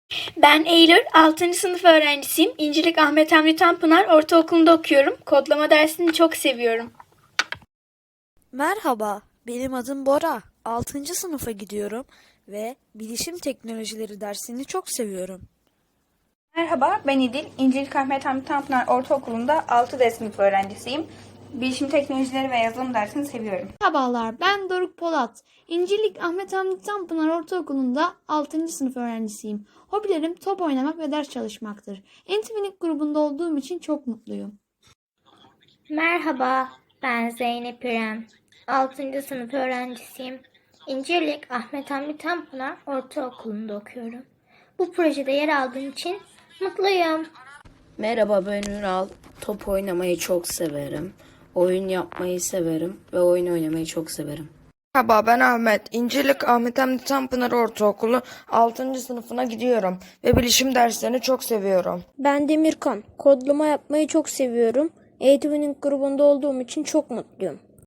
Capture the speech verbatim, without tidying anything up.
Ben Eylül, altıncı sınıf öğrencisiyim. İncilik Ahmet Hamdi Tanpınar Ortaokulu'nda okuyorum. Kodlama dersini çok seviyorum. Merhaba, benim adım Bora. altıncı sınıfa gidiyorum ve bilişim teknolojileri dersini çok seviyorum. Merhaba, ben İdil. İncilik Ahmet Hamdi Tanpınar Ortaokulu'nda altı D sınıf öğrencisiyim. Bilişim teknolojileri ve yazılım dersini seviyorum. Merhabalar, ben Doruk Polat. İncilik Ahmet Hamdi Tanpınar Ortaokulu'nda altıncı sınıf öğrencisiyim. Hobilerim top oynamak ve ders çalışmaktır. Entivinik grubunda olduğum için çok mutluyum. Merhaba, ben Zeynep İrem. altıncı sınıf öğrencisiyim. İncirlik Ahmet Hamdi Tanpınar Ortaokulu'nda okuyorum. Bu projede yer aldığım için mutluyum. Merhaba, ben Ünal. Top oynamayı çok severim. Oyun yapmayı severim ve oyun oynamayı çok severim. Merhaba, ben Ahmet. İncilik Ahmet Hamdi Tanpınar Ortaokulu altıncı sınıfına gidiyorum ve bilişim derslerini çok seviyorum. Ben Demirkan. Kodlama yapmayı çok seviyorum. Eğitimin grubunda olduğum için çok mutluyum.